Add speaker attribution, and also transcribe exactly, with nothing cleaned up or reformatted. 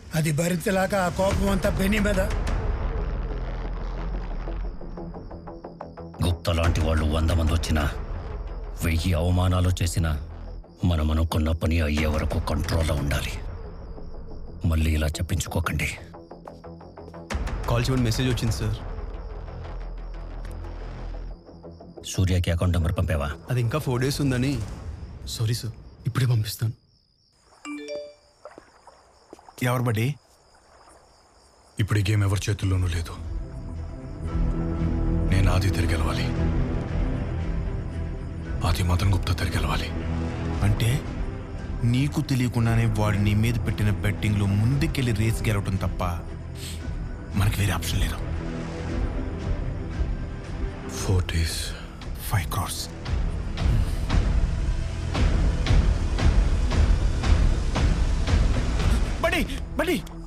Speaker 1: అది భరించలాక ఆ కోపం అంతా బెని మీద.
Speaker 2: గుప్తా లాంటి వాళ్ళు వంద మంది వచ్చినా వెయ్యి అవమానాలు చేసినా మనం అనుకున్న పని అయ్యే వరకు కంట్రోల్లో ఉండాలి. మళ్ళీ ఇలా చెప్పించుకోకండి.
Speaker 3: కాల్ చేయమని మెసేజ్ వచ్చింది సార్.
Speaker 2: సూర్యకి అకౌంట్ నెంబర్ పంపావా?
Speaker 3: అది ఇంకా ఫోర్ డేస్ ఉందని. సారీ సార్, ఇప్పుడే పంపిస్తాను.
Speaker 4: ఎవరు బడ్డీ?
Speaker 5: ఇప్పుడు ఈ గేమ్ ఎవరి చేతుల్లోనూ లేదు. నేను ఆది తిరిగి గెలవాలి. ఆది మదన్ గుప్తా తిరిగి గెలవాలి.
Speaker 4: అంటే నీకు తెలియకుండానే వాడు నీ మీద పెట్టిన బెట్టింగ్లో ముందుకెళ్ళి రేస్ గెలవటం తప్ప మనకి వేరే ఆప్షన్ లేదు.
Speaker 5: Four days
Speaker 4: five crores. Buddy బడ్డీ